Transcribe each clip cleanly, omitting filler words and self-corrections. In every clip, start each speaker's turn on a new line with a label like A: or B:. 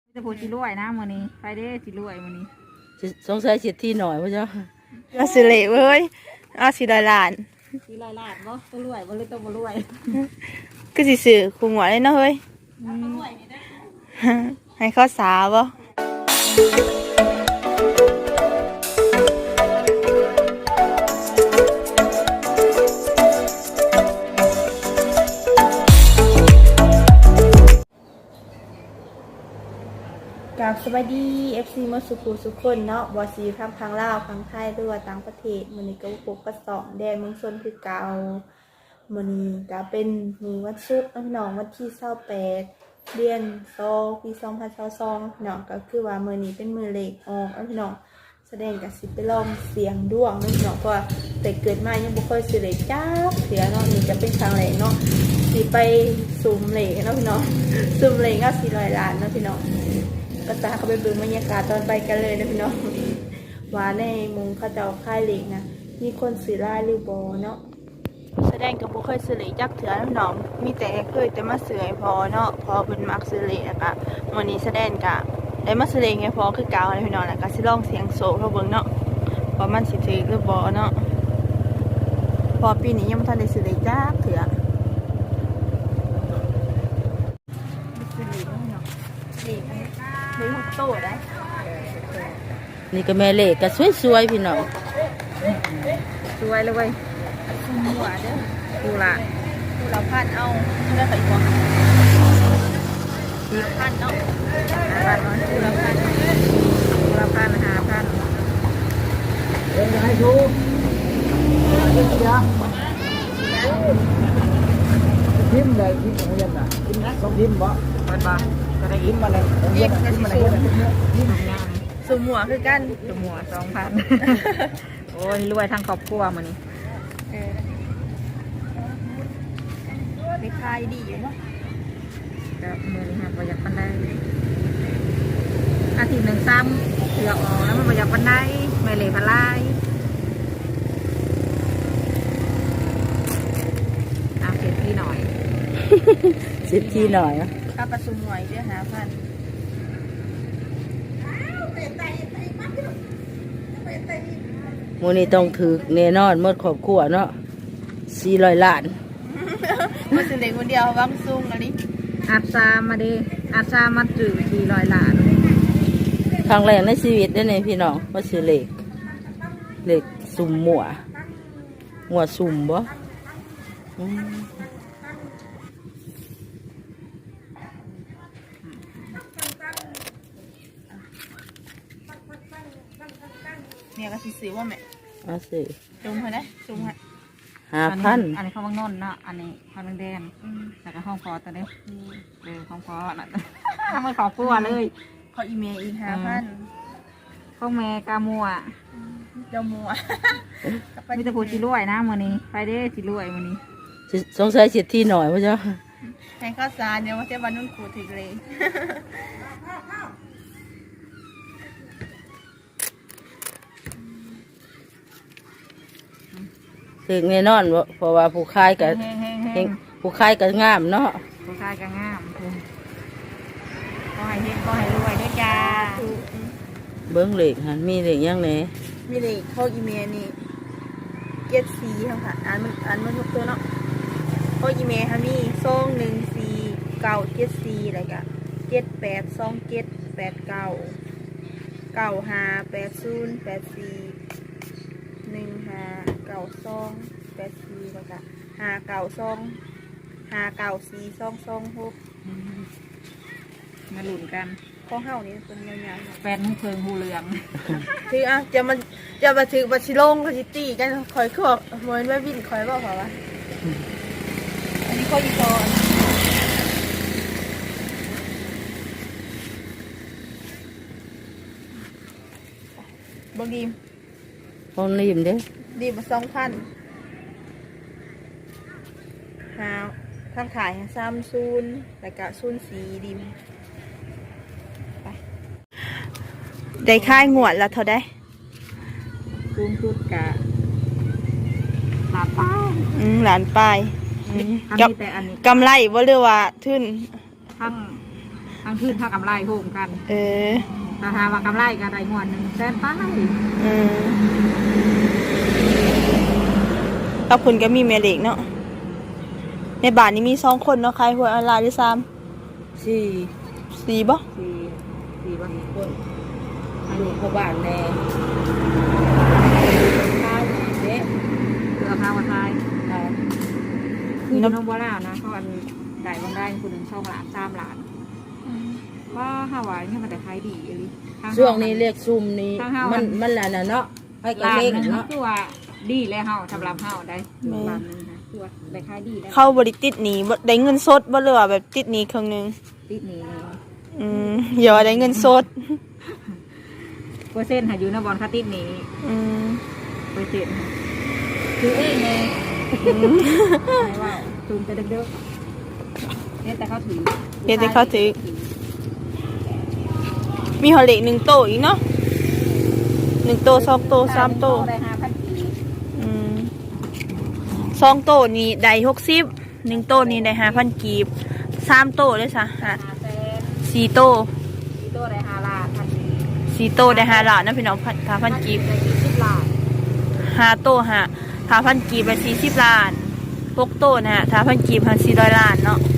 A: จะพูดจีรวยนะมื้อนี้ไปเด้จีรวยมื้อนี้
B: สงสัยเสียที่หน่อยพ่อเจ้า
C: เอาสิเละเว้ยเอาสิได้ล้าน
A: จีรวยล้านบ่ตัวรวยบ่เลยตัวบ่รวย
C: ก็สิซื้อคุมหัวเลยเนาะเฮ้ยให้เขาสาบ่กับสวัสดี FC มาสุขุสุขคนเนาะบอสีพังลาวพังไทยหรือว่าต่างประเทศมื้อนี้ก็ปกก็2แดนเมืองชนคือเก่ามื้อนี้ก็เป็นมื้อวันศุกร์พี่น้องวันที่28เดือน2ปี2022เนาะก็คือว่ามื้อนี้เป็นมื้อเลขออกพี่น้องแสดงก็สิไปลองเสียงดวงเนาะพี่น้องเพราะว่าแต่เกิดมายังบ่เคยสิเลขจักเทื่อเนาะนี่จะเป็นครั้งแรกเนาะสิไปสุ่มเลขเนาะพี่น้องสุ่มเลขเอา400ล้านเนาะพี่น้องก็จะเข้าไปเบิ่งบรรยากาศตอนไปกันเลยนะพี่น้องว่าในมุงเขาจะเอาค่ายเหล็กนะมีคนสื่อไล่หรือบอเนาะแสดงกับบุเคยสื่อเหล็กจักเถื่อนน้องมีแต่เคยแต่มาสื่อให้พอเนาะพอเป็นมักสื่อเหล็กนะคะวันนี้แสดงกะได้มาสื่อเหล็กให้พอคือเก่าเลยพี่น้องแล้วก็สิลองเสียงโซ่เขาเบิ่งเนาะพอมันสิถือหรือบอเนาะพอปีนี้ยังไม่ทันได้สื่อเหล็กจักเถื่อนเลยหุบโตได้
B: นี่ก็แม่เล็กก็สวยๆพี่น้อง
A: สวยเลยเว้ย
C: คุมหัวเด้อ
A: กูละ
C: กูเราพันเอาเลือกใส่หัวพันเนาะ
A: 5,000เนาะกูละพัน5,000
B: ให้ดูทิมเลยทิมอะไรอย่างน่ะทิมนะสองทิมบ่มันบ่ก็ได้ทิมมาเลยทิมมาเลยทิมงาม
C: สมหัวคือกัน
A: ตัวหมัว2,000 โอ้ยรวยทั้งครอบครัวมื้อนี้
C: ไปคายดีอยู่เนาะ
A: ก็มื้อนี้ฮะบ่อยากปานใดอาทิตย์หนึงซ้ำเสือกออกแล้วมันบ่อยากปานใดแม่เหลพลายเอาเก็บพี่หน่อย
B: เสียที่หน่อย
C: ค่าประชุมหน่วยเด้อ5,000
B: มูนี่ต้องถือแน่นอนหมดครอบครัวเนาะ400 ล้าน
C: มาสิเล็กคนเดียววังซุงอันนี้
A: อาซามาเด้อาซามาจื้อ400 ล้าน
B: ครั้งแรกในชีวิตได้เนี่ยพี่น้องว่าซื้อเหล็กสุ่มหมัวสุ่มบ่อืม
C: เนี่ยก็สิซื้อว่าแม่
B: เอาสิ
C: จุ่มให้ได้จุ่มให้
B: 5,000
A: อันนี้เขาบางนนท์เนาะอันนี้เขาบางแดนแล้วก็ห้องพอตัวนี้ห้องพอน่ะ ทำให้ครอบครัวเลย
C: ขออีเมลอีก5,000
A: ห้องแม่กามัว
C: เจ้ามัว
A: มีแต่พูดจีรวยนะมื้อนี้ไปเด้จีรวยมื้อนี้
B: สงสัยเสียที่หน่อยพ่อเจ้า
C: ให้ข้าวสารเนี่ยว่าจะวันนุ่นขูดถึงเลย
B: ถึงแน่นอนเพราะว่าผู้ขายก็
A: เฮง
B: ผู้ขายก็งามเนาะ
A: ผู้ชายก็งามก็ให้เฮงก็ให้รวยด้วยจ้า
B: เบิ้งเหล็กหันมีเหล็กยังไง
C: มีเลยเข้าอีเมลนี่เจ็ดสีค่ะอ่านมันทุกตัวเนาะเข้าอีเมลค่ะมี21497อะไรกะ7829958084159284แล้วก็592594226
A: มาหลุนกัน
C: ข้อเฮานี่เป็นยาวๆ
A: แฟนหูเพิงหูเหลือง
C: ถืออ่ะจะมาถือบัชิลงบัชิตีกันคอยคือเหมือนว่าวินคอยบอกเขาว่าอันนี้ข้ออีกอนบางดีม
B: ห้องริมเด้
C: ดีมา2,000หาทางขาย30แล้วก็04ดิมไปได้ค่ายงวดแล้วเท่าได้
A: สูงสุดกะหลาป้า
C: หลานปลาย
A: อัน
C: กับ
A: นี้แต่อันนี้
C: กำไรบ่เรียกว่าทุน
A: ทั้ง อันทั้งคืนเท่ากำไรโฮมกัน
C: เออ
A: ถ้าหาว่ากำไรก็ได้งวดหนึ่งแสนป้าย
C: กับคุณก็มีแม่เด็กเนาะในบ้านนี้มี2คนเนาะขายหวยออนไลน์ด้วยซ้
B: สี่
C: ำ4บ่
A: สี่วัน
B: คนลูกพ่อบ้านแน่ข้าวเด็ก
A: เพื่อพาวันไทย
B: ค่ะ
A: คือน้องบัวลาวนะเขาอันได้วันได้คนหนึ่ง2 ล้าน3 ล้านว่าห้าวันนี่มันแต่ขายดีเลย
B: ช่วงนี้เรียกซุ่มนี้มันแหละน่ะเนาะให้กระ
A: ล้าน
B: เล่ง
A: นึง
B: เนาะ
A: คือว่าดีแล้วเฮาสำหรับเฮาได้ล้านนึงนะคือว่าได้ขายดีได้
C: เข้าบริติดหนีบ่ได้เงินสดบ่เหลือแบบติดหนีครึ่งหนึง
A: ติดนี้
C: อย่าว่าได้เงินสด
A: เปอร์เซ็นต์หาอยู่นะบอลคาติดนี้ เปอร์เซ็นต์คือเองไงไม่ว่าซูมไปเด็กๆเนี่ยแต่เขาถือ
C: เดี๋ยวจะเข้าถึงมีหอเล็ก1โตอีกเนาะ1โต2โต3โต
A: ได้5,000 กีบ
C: 2โตนี่ได้60 1โตนี่ได้5,000กีบ3โตได้ซะ4โต
A: 4 ตัวได้5 ล้านพันกีบ
C: 4โตได้5ล้านนะพี่น้อง5,000กีบ
A: ได้10 ล้าน
C: 5โต5,000กีบไป40ล้าน6โตนะฮะ5,000กีบ400ล้านเนาะ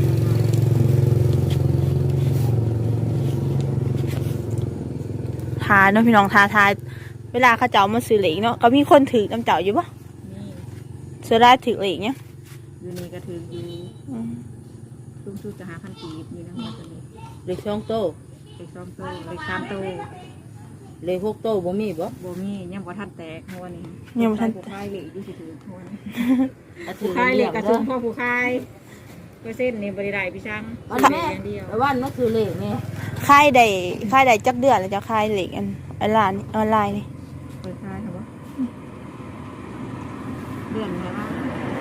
C: ทาเนาะพี่น้องทาเวลาเขาเจ้ามาซื้อเหล็กเนาะก็มีคนถือน้ำเจ้าอยู่ปะ
A: นี่
C: ซื้อได้ถือเหล็กเนี่ย
A: อยู่นี่ก็ถืออยู่สูงสุดจะ5,000 กีบอยู่นะมันจะมี
B: เล็ก2โต
A: เล็ก2 ตัวเล็ก3 ตัว
B: เล็ก6โตบ่มีบ่
A: บ่มียังบ่ทันแตกหัวนี่
C: ยังบ่ทัน
A: ผู้คายเหล็กอยู่สิถือหัวนี่
B: อ่ะถื
A: ผู้
B: อ
A: คายเหล็กกระ
B: เด้
A: ชุ
B: อ
A: มพ่อผู้คายเปอร์เซ็นต์นี่บริได้พี่ช่าง
B: วัน
A: เหล็
B: แม่
A: กอย่างเดียว
B: วันนั่นคือเล็กนี่
C: ค่ายใดจักเดือนแล้วจะค่ายเหล็กออนไลน์นี่
A: เปิดคายครับว่าเดือนนี้ว่า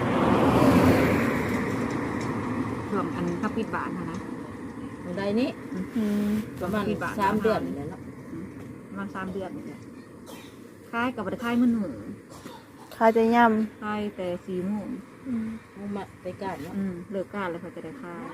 A: รวมอันก็ปิดบาทนะ
B: วันใดนี้
C: อืม
B: ประมาณ3 เดือนนี่แหละเนาะ
A: มัน3 เดือนนี่แหละคายกับบริคายมือหนึ่ง
C: ค่ายจะย่
A: คายแต่4 โมง
B: เอามาไปกันเนาะ
A: เลิกการแล้วเขาจะได้คาย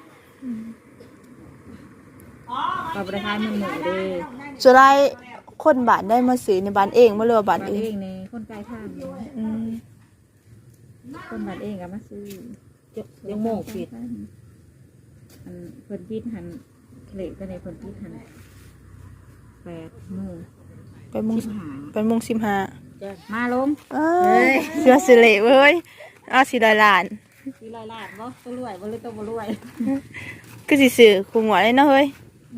A: กับบริคายมือหนึ่งเด้
C: ำจะได้คนบ้านได้มาซื้อในบ้านเองบ่เรือว่าบ้าน
A: บ้าน
C: อื่น
A: เองในคนไกลทางนี่
C: อืม
A: คนบ้านเองก็มาซื้อ
B: ยังโมงปิด
A: อันเพิ่นปิดหันเหล็กก็ในเพิ่นปิดหัน8 โมง
C: ไปมุง
A: 15
C: ไปมุง15
B: จ้ะ
A: มาลง
C: เสื้อสิเหล็กเว้ย400ล้าน
A: 400 ล้านบ่ตัวรวยบ่หรือตัวบ่รวย
C: ก็สิซื้อคุมหัวเลยเนาะเฮ้ย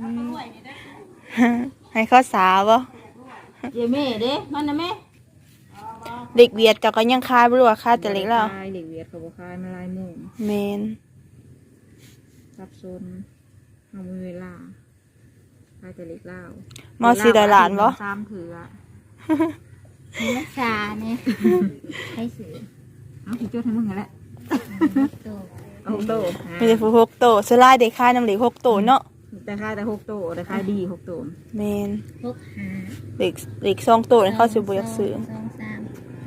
C: ให้เขาสาวบ่
B: เยแม่เด้มันน่ะแม่
C: เด็กเวียดก็ยังคายบ่รู้ว่าคายแต่เล็กแล้ว
A: ขายเหล็กเวียดเขาบ่ขายมาลายโมง
C: แมน
A: สับสนเฮามีเวลาขายแต่เหล็กลาว
C: มา400ล้านบ่
A: 3 เถือ
D: รักษาเนี่ยให้สื่อ
A: เอาสิจดให้มึงนั่นแหละ
D: ตัว
A: เอา6 โต
C: มีแต่ผู้6โตสลายได้คายน้ำเหล็ก6โตเนาะ
A: แต่ขายแต่6 โตแต่ขายดี6 โต
C: แมน
D: พกหา
C: เหล็ก2โตนี่เขาสิบ่อยากซื้อ
D: 2 3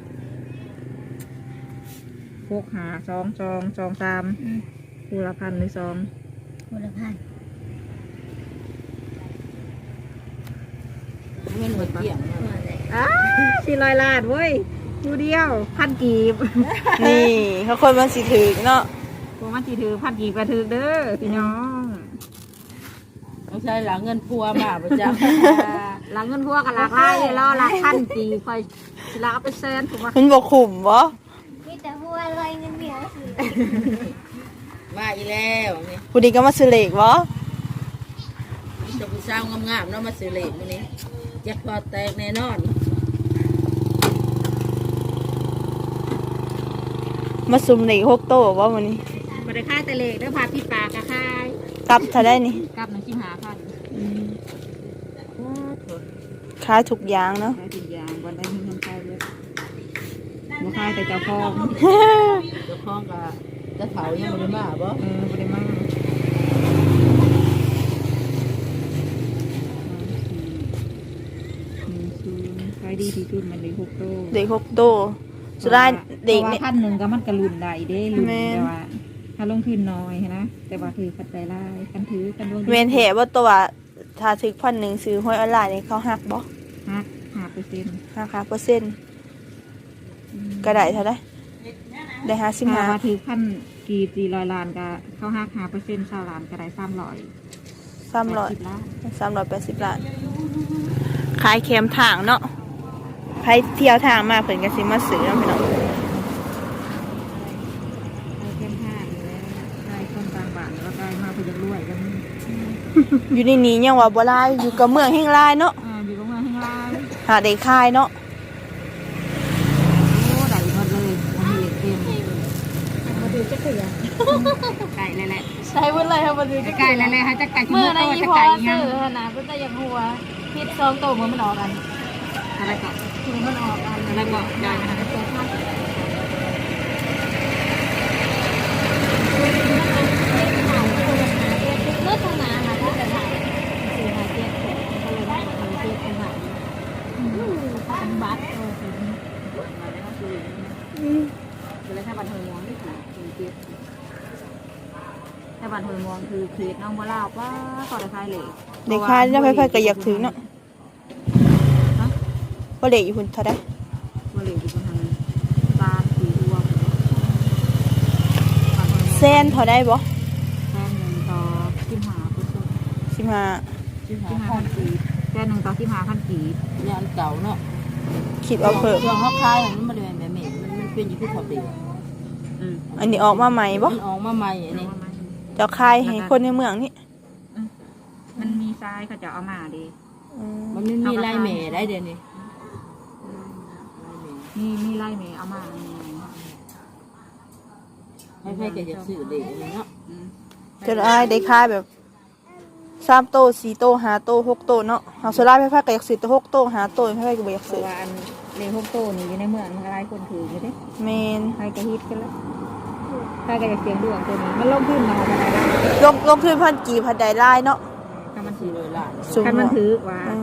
A: 6 5 2 2 2 3คู่ละ1,000หรือ2
D: คนละพัน
B: เงินหมดเกลี้ยง
D: ตัวเลย
A: 400 ล้านเว้ยดูเดียว1,000 กีบ
C: นี่เขาคนมันสิถึกเนาะ
A: พวกมันสิถือ1,000 กีบกระถือเด้อพี่น้อง
B: ต้องใช้หลังเงินพัวมาประจ
A: หลังเงินพวกกับหลักไล่รอหลัก1,000 กีบคอยสิลักเอาไปแสนผมว่า
C: มันบ่คุ้มบ่
D: มีแต่หัวลอยเงินเดียวสื่อ
B: ำมาอีแล้วนี่
C: ผู้นี้ก็มาซื้อเหล็กบ่
B: จะผู้สาวงามๆเนาะมาซื้อเหล็กมื้อนี้จักพอแตกแน่นอน
C: มาซุ่มเหล็ก6โตบ่มื้อนี้
A: บ่ได้ค่ายแต่เหล็กเด้อพาพี่ปากกะค่าย
C: กลับเท่าได้นี่
A: กลับหนึ่งชิมหาพัน
C: ขายทุกอย่างเนาะ
A: ค่ายทุกอย่างวันได้มีเงินค่ายเลยบ่ค่ายแต่เจ้าของ
B: เจ้าของก็จะเผายังบ่ได้มาบ่
A: บ่ได้มาขายดีที่สุดมันเลย6 โต
C: เหล็ก6โตสุดท้ายเด็ก
A: เพราะ
C: เนี่ย
A: ว่า1,000ก็มันก็ลุ่นได้เด้ลุ่น
C: แม่น
A: แต่ว่าถ้าลงทุนน้อยนะแต่ว่าถือปัจจัยรายกันถือกันลง
C: เมนเหตุว่าตัวถ้าถึก1,000ซื้อห้อยออนไลน์นี่เขาหักบ่
A: หัก5%
C: หัก5%ก็ได้เท่าไดได้
A: ถ้า
C: 55
A: ว่าถือพันกี่400 ล้านก็เขาหัก5% 20 ล้านก็ได้300
C: 380 ล้านขายเข็มทางเนาะใครเที่ยวทางมาเพิ่นก็สิมาซื้อเนาะพี่น้อง
A: เข้มห้าเลยได้คนต่างบ้านแล้วก็มาเพื่อจะรวยกัน
C: อยู่ในนี้ยังว่าบ่หลายอยู่กับเมืองแห่งหลายเนาะ
A: อยู่ตรงนั้นข้างล่าง
C: หาได้ขายเนาะ
A: โอ้ได้หมดเลยมันมีเหล็กเต็มมาดูจะเถื่อไก่เลยแหละ
C: ใช้เพิ่นเลยค่ะบ่ดู
A: ไก่เลยฮะจะไก่ชิ้น
C: มื้อ
A: โต
C: นั้นอี
A: จะ
C: พอ
A: ไก่ยัง
C: ซื้อหั่นน่ะเพิ่นจะยังหัวคิด2โตมื้อมันออกกัน
A: อะไรก่อน
C: คือมันออกกัน
A: อะไรก่อนได้นะคะ
D: เลือดทางน้ำมาถ้าจะถ่ายซื้อมาเจ็บก็เลยได้มาเจ็บขนาดนี้พันบาท
A: เลยถ้าบันเทิงมองไม่ถูกเจี๊ยบถ้าบันเทิงมองคือเขตน้องบัวลาวว่าก่อนจะคายเหล็ก
C: ได้ขายแล้วไผๆก็อยากถือเนาะบ่ได้อยู่พุ่นเท่าใด
A: บัวเหล็กอยู่บนทางบ้านสีรวม
C: แสนเท่าใดบ่
A: แค่หนึ่งต่อ15%
C: 15
A: 15,000 กีบแค่หนึ่งต่อ15,000 กีบ
B: ยานเก่าเนาะ
C: คิดเอาเพิ่ม
B: ช่วงเขาคายมันบ่ได้แบบนี้มันเป็นอยู่ที่เขาเดียว
C: อันนี้ออกมาใหม่บ่
B: มันออกมาใหม่อันนี้
C: เจ้าขายให้คนในเมืองนี่
A: มันมีทรายเขาจะเอามาดี
B: มันไม่มีลายแหม่ได้เดี๋ยวนี้
A: มีไล่เมย์เอามา
B: ให้ใครก็จะซื้อเลยเนาะ
C: จนอ้ายได้ขายแบบ3โต4โต5โต6โตเนาะเฮาสุราไผๆก็อยากซื้อแต่6โต5โตไผๆก็บ่อยาก
A: เพ
C: ซื้อ
A: ราะว่าอันเลงพวกโตนี่อยู่ในเมืองมันหลายคนถืออยู่เด้
C: แม่น
A: ใครก็ฮิตกันแล้วใครก็จะเสียงดวงตัวนี้มันลงขึ้นมาอะไรได้
C: ลงทุนพันกี่พันใดหลายเนาะ
A: ถ้ามันถือ
B: 400 ล้าน
C: สูง
A: ถ้ามัน
C: เนาะ
A: ถือว่า
C: อืม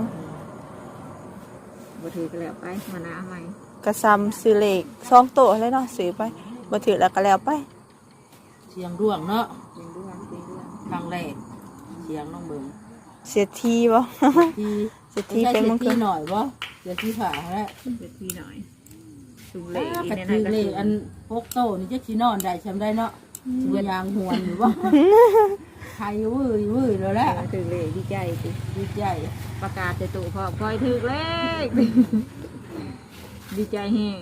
A: บ่ถือก็แล้วไปมาหน้าใหม่
C: ก็ซ้ำซื้อเลข2โตเลยเนาะซื้อไปบ่ถือแล้วก็แล้วไป
B: เสียงร่วงเนาะ
A: เสียงดวงเสียงดวง
B: ครั้งแรกเสียงน้องเบิ่ง
C: เสียทีบ่
B: ที่
C: เสียทีเป็น
B: มั
C: มัน
B: คื
C: คือ อ
B: หน่อยบ่เสียที่ผ่าแล้ว
A: เดี๋ยวทีหน่อยสูงเหล
B: กระตือเลยอันพกโตนี่จะขี้นอนได้ชำได้เนาะตัวยางหวนหรือว่าใครวื้อแล้วแหละ
A: ถึงเหลดีใจสิ
B: ดีใจ
A: ประกาศจะตู่พร้อมคอยถึกเลขดีใจแห้ง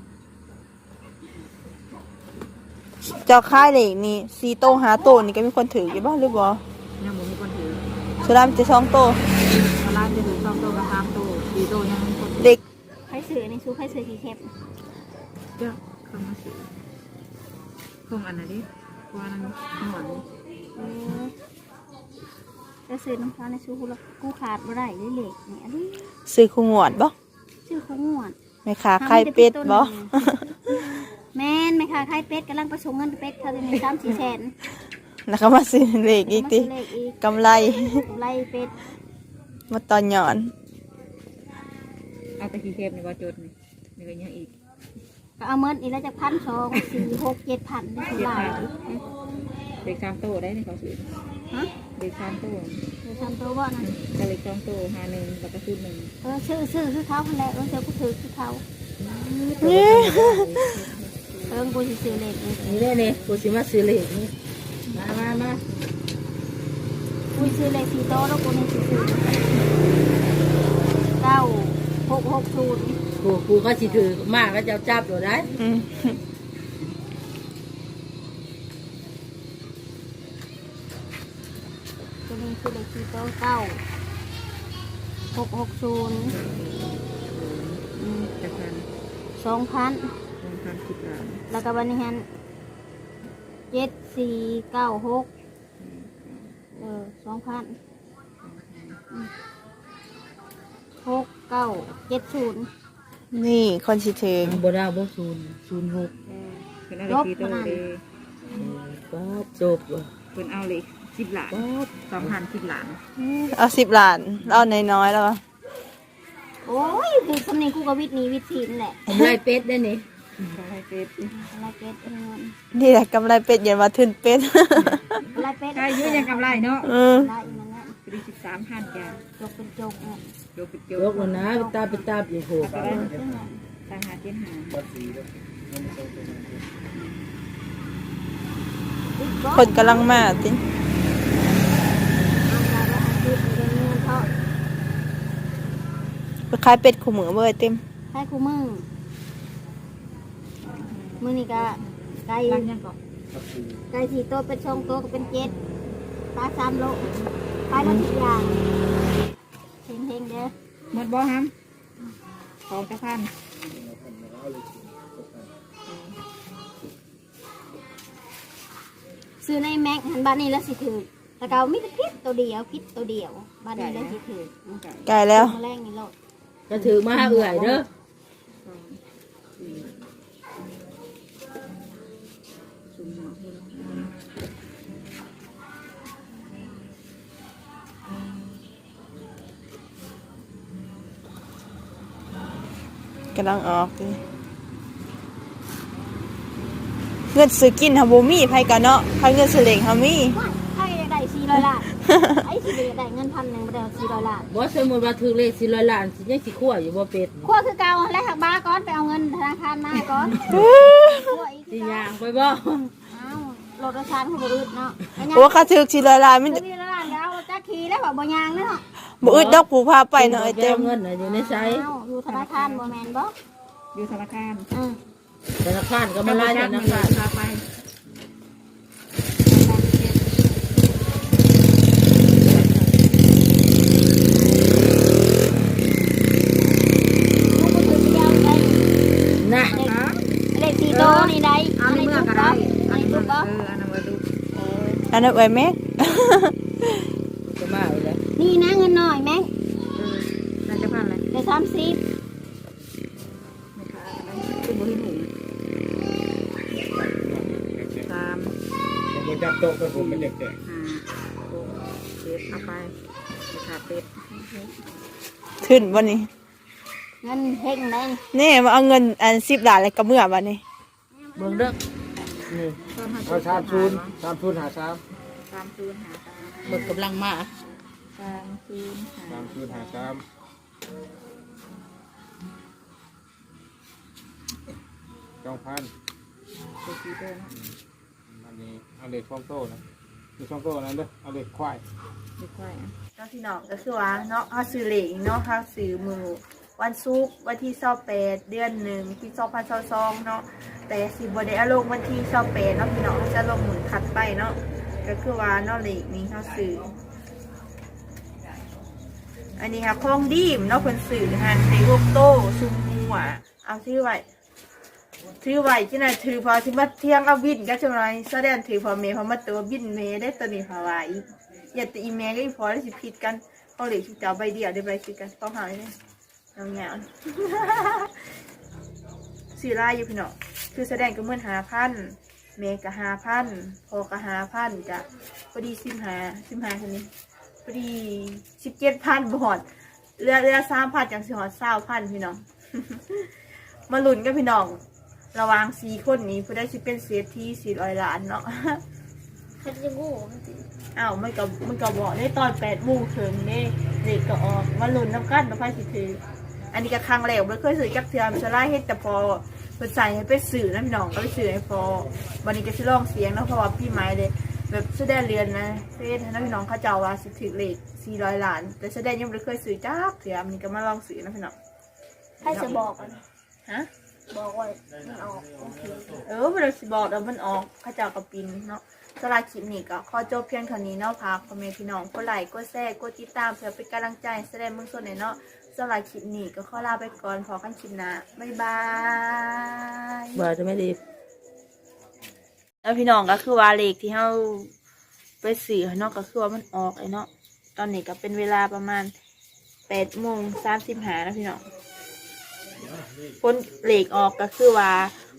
C: เจ้าค่ายเลขนี่4โต5โตนี่ก็มีคนถืออยู่บ่หรือบ่
A: ยังบ่มีคนถือ
C: สุดามันจะ2โต
A: ตลาดจะถือ2 โตกับ3 โต4 โตยังมีคนถือ
C: เด็ก
D: ใครซื้อในซูใครซื้อกี่เข็ม
A: เจ้าเข้ามาซื้อคงอันนั้นดิเพราะว่านั้นหมอน
D: จะซื้อน้ำฟ้าในซูกูขาดบ่ได้เลยเหล็กนี่อันนี้
C: ซื้อคู่งวดบ่
D: ชื่อเขางวด
C: แม่ค้าไข่เป็ดบ่
D: แม่นไหมคะไข่เป็ดกำลังประชงเงินเป็ดเขาจะมี3-4 แสน
C: แล้วก็มาซื้อเลขอีกติ
D: มาซื้เลขอีก
C: กำไร
D: ไล่เป็ด
C: มาตอนหย่อน
A: เอาตะกี้เทปนี่ว่าจดนี่นี่ก็ยังอีก
D: ก็เอาเมินอีกแล้วจาก1,200 4 6 7,000ได้เท่าไหร่
A: เด็ก3 โตได้ในเขาซื้อ
D: ฮะ
A: เด็ก3 โต
D: เดี๋ยวทำตัวว่านะ
A: ก็เล็ก2 โต51แล้วก็ซื้อ1
D: ซื้อคือเขาคนแรกเจอกูถือคือเขากูจะซื้อเลขนี่
B: นี่เลยเนี่ยกูสิมาซื้อเลขนี่มา
D: กูซื้อเลข4 โต๊ะแล้วกูนี่ซื้อ9660
B: กูก็สิถือมากก็จะจับอยู่ได้
C: อืม
D: ตัวนี้คือเลข4 โต๊ะ9660
A: จากนั้น
D: 2,000
A: 1,010 ล้าน
D: แล้วก็บันนี้ฮัน7496 2,000 6970
C: นี่คนสิถึง
B: บ่ได้บ่06
A: เป็นเอาเลข4 โตเลย
B: ก็จบบ่
A: เป็นเอาเลข10 ล้าน2,010 ล้าน
C: เอา10 ล้านเอาน้อยๆแล้วก็
D: โอ้ยคือสำเนียงกูกับวิทย์นี้วิทย์ทีนแหละ
B: ผมไล่เป็ดได้นี่
A: ไข่เป็ด
D: อะไรเป็ดเงิน
C: นี่แหละกำไรเป็ดอย่ามาทึนเป็ด
D: อะไรเป็ด
A: ใครยืดยังกำไรเนาะ
D: อะไรอีกนั่นแหละ
A: ปี13,000จ้ะ
D: จกเป็นจกเนี่ย
A: โยปิดโย
B: ยกแล้วนะไปตาอยู่โห
A: ต่างหาเจ็ดหา
C: คนกำลังมาติไปขายเป็ดขู่เหมือเบอร์เต็ม
D: ให้กูมือนี่ก็ไก่
A: ตั้งยังก่อน
D: ไก่4 โต๊ะเป็น2 โต๊ะก็เป็น7ปลา3 โลปลาละทุกอย่างเฮงๆเด้อ
A: หมดบ่ฮัมของจะพัน
D: ซื้อในแม็กหันบ้านนี้แล้วสิถือแต่เก่ามีแต่พิษตัวเดียวพิษตัวเดียวบ้านนี้แล้วสิถือ
C: ไก่แล้ว
D: มาแรงนี่โลด
B: ก็ถือมาเอื่อยเด้อ
C: กำลังออกดิเงินซื้อกินฮาบูมี่ไผกันเนาะไผเงินซื้อเหลงฮามี่
D: ใครได้400 ล้านไอ้สิได้เงิน1,000บ่ได้400 ล้าน
B: บ่สมมุติว่าถือเลข400 ล้านสิยังสิคั่วอยู่บ่เป็ด
D: ขั้วคือเก่าและหักบ้าก่อนไปเอาเงินธนาคารมาก่อนขั้วอีก
B: สิย่างไปบ่
D: อ้าวรถโดยสารเขาบ่อึดเนาะ
C: โอ้ค่าถือ400 ล้านมัน
D: 400 ล้านเดี๋ยวเอาจักขี่แล้วบ่ยางเนาะ
C: บ่อึดดอกผู้พาไปเนาะไอ้เต็ม
B: เงินน่ะอยู่ในไส
D: อ้าวอยู่ธนาคารบ่แม่นบ่
A: อยู่ธนาคาร
B: ธนาคารก็มาไล่ธนาคาร
A: พาไป
D: ลูกบ่ถือไปเดียวได้
B: น่ะ
D: เลข4 โตนี่ได้
A: เอาในเมื่อก็ได้
D: อันนี้ถูกบ่
A: อันนั้นมาดู
C: อันนั้นไว้แม่
B: จะมาอีกแล้ว
D: นี่นะเงินหน่อยแม่ง
A: น่าจะพันเลย
D: ได้30
A: ไม่ขาดอะไรขึ้นบนหิ้ง3
E: ผมจับโต๊ะกับผมเป็นเด็ก
A: 5 6 7เอาไปไม่ขาดเป็ด
C: ทึนบ่นี่
D: เงินเฮงได้
C: นี่มาเอาเงินอัน10 ล้านแล้วก็เมื่อบัดนี้
B: เบิ่งเด้อนี่
E: ๆเอา30หา3
A: 30หา
B: เบิ่งกำลังมา
A: 30หา
E: 30หา3 2,000
A: ตัวสีเดิม
E: อันนี้เอาเหล็กช่องโต้นะมีช่องโต้นั้นเด้อเอาเหล็กควาย
A: ไม่ค่อยอ่ะ
C: เนาะพี่น้องก็คือว่าเนาะเฮาซื้อเหลงเนาะเฮาซื้อมือวันศุกร์วันที่28เดือน1ปี2022เนาะแต่สิบ่ได้เอาลงวันที่28เนาะพี่น้องจะลงมือถัดไปเนาะก็คือว่าเนาะเหลงนี้เฮาซื้ออันนี้ค่ะของดีมเนาะเพิ่นซื้อหันในลูกโตซุมหัวเอาซื้อไว้ที่ไหนถือพอที่มาเที่ยงเอาบินก็จะไรแสดงถือพอเมย์พอมาตัวบินเมย์ได้ตัวนี้พอไว้อย่าตีเมย์ก็อีพอได้สิผิดกันเขาเหลือชุดเจ้าใบเดียวได้ใบผิดกันต้องหาเลยเงาสีลายอยู่พี่น้องคือแสดงก็เหมือน5,000เมย์ก็5,000พอก็5,000จ้ะพอดี15คนนี้พอดี17,000บอดเรือ3,000จังสิหอด20,000พี่น้อง มาลุ้นกันพี่น้องระหว่าง4 คนนี้ผู้ได้สิเป็นเศรษฐี400 ล้านเนาะ
D: เขาจะกู้
C: อ้าวมันก็บอกได้ตอน8 โมงถึงนี่เด็กก็ออกมาลุ้นน้ำกันมาไพ่สิถืออันนี้ก็ครั้งแรกไม่เคยซื้อกับเทียมชะไล่เฮ็ดแต่พอเพิ่นใส่ให้ไปสื่อนะพี่น้องก็ไปสื่อให้พอวันนี้ก็สิลองเสียงเนาะเพราะว่าพี่ไม้เลยแบบแสดงเรียนนะเฮ็ดให้พี่น้องเขาเจ้าว่าสิถือเลข400 ล้านแต่แสดงยังไม่เคยซื้อจักเทียมนี่ก็มาลองซื้อนะพี่น้อง
D: ให้จะบอกกัน
C: ฮะ
D: บอกว่ามันออกโอเค
C: เวลาสิบอกแล้วมันออกข้าเจ้ากับปินเนาะสำหรับคลิปนี้ก็ขอจบเพียงเท่านี้เนาะพักพ่อแม่พี่น้องกดไลค์กดแชร์กดติดตามเพื่อเป็นกำลังใจแสดงเมืองส่วนไหนเนาะสำหรับคลิปนี้ก็ขอลาไปก่อนพอกันคลิปหน้าบ๊ายบาย
B: บ่จะไม่ดี
C: แล้วพี่น้องก็คือว่าเลขที่เฮาไปสื่อเนาะก็คือว่ามันออกเลยเนาะตอนนี้ก็เป็นเวลาประมาณ8:35นะพี่น้องผลเลขออกก็คือว่า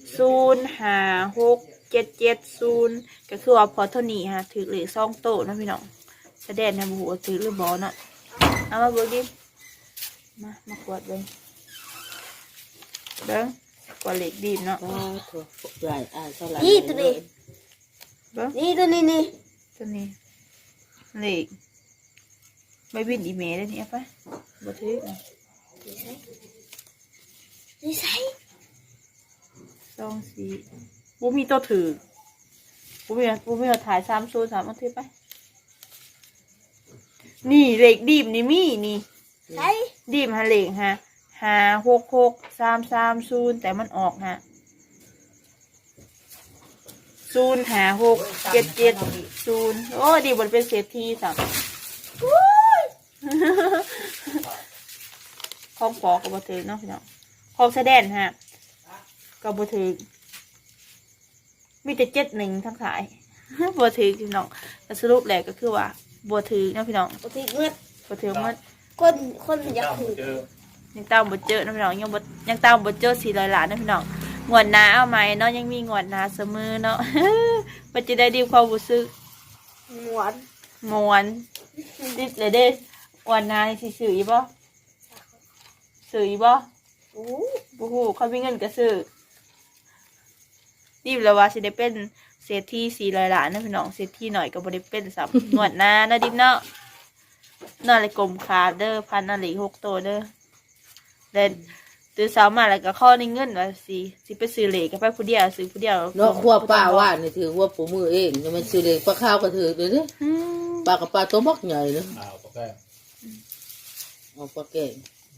C: 056770ก็คือว่าพอเท่านี้ฮะถือเลข2 โต๊ะนะพี่น้องแสดงนะบ่ฮู้ว่าถือหรือบ่เนาะเอามาเบิ่งดิมากวดเบิ่งกว่าเหล็กดีมเนาะ
B: ก็ถูกใหญ่เท่าไหร่
D: นี่ตัวนี้
C: เบ้อ
D: นี่ตัวนี้นี่
C: ตัวนี้เหล็กไม่บินอีเมลได้เนี่ยปะบ่ถือ
D: นี่ใส่
C: 2 4บ่มีตัวถือบ่มีเอาถ่าย303เอาถือไปนี่เหล็กดีมนี่มีนี่
D: ใส่
C: ดีมฮะเหล็กฮะ566 330แต่มันออกฮะ05677 โอ้ดีบนเป็นเศรษฐีสักของปอกับบถือเนาะพี่น้องของแสดงฮะกับบถือมีแต่71ทั้งขาย บถือพี่น้องแต่สรุปแหละก็คือว่าบถือเนาะพี่น้อง
D: ปกติเมื่อบ
C: ถือมัน
D: คนมันอยากถือ
C: ยังตามบทเจอนะพี่น้องยังตามบทเจอ400 ล้านนะพี่น้องงวดหน้าเอาไหมเนาะยังมีงวดหน้าเสมอเนาะ มันจะได้ดีความรู้สึก
D: หมวน
C: มวนดิดเลยเด้งวดหน้านี่สิซื้ออีบ่ซื้ออีบ่
D: โอ้
C: บ่ฮู้เขามีเงินก็ซื้อดิบแล้วว่าสิได้เป็นเศรษฐี400 ล้านนะพี่น้องเศรษฐีหน่อยก็บ่ได้เป็นซ้ำ งวดหน้าเนาะดิบเนาะนั่นเลยกลมขาดเด้อพันนั่นเลย6ตัวเด้อเด่นตื่นเช้ามาแล้วก็ข้อในเงินว่าสิไปซื้อเหล็กก็ไปผู้เดียวซื้อผู้เดียว
B: เนาะขั้วป้าว่านี่ถือว่าปูมือเองจะมันซื้อเลยปลาข้าวก็ถือเลยเนี่ย
C: อืม
B: ปลากับปลาตัวมักใหญ่เนาะ
E: อ้าวโอเค
B: เอาปลาแก่ง